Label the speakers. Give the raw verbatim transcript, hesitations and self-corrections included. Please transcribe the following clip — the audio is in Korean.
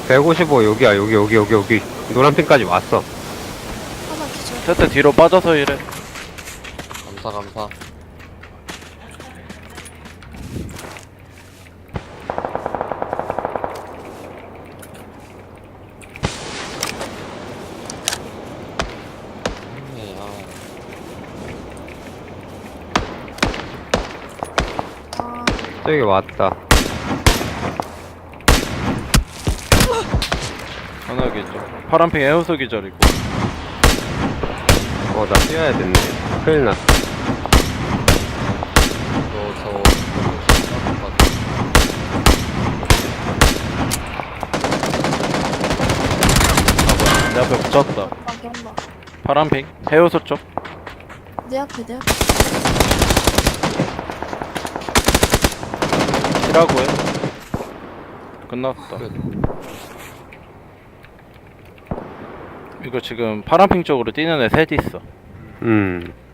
Speaker 1: 백오십오 여기야. 여기 여기 여기 여기 노란핀까지 왔어.
Speaker 2: 하나 기절.
Speaker 3: 세트 뒤로 빠져서 이래.
Speaker 4: 감사 감사. 네, 아,
Speaker 2: 아,
Speaker 1: 저기 왔다.
Speaker 3: 하나 기절. 파란핑 에어소 기절이고.
Speaker 1: 어, 나 뛰어야 됐네. 큰일 났어.
Speaker 4: 너 저.
Speaker 3: 아 뭐야 내 앞에 붙였다.
Speaker 2: 막이 한 방.
Speaker 3: 파란핑 해우소 쪽.
Speaker 2: 내 앞에, 내 앞에.
Speaker 3: 키라고 해. 끝났다. 이거 지금 파란핑 쪽으로 뛰는 애 셋 있어.
Speaker 1: 음.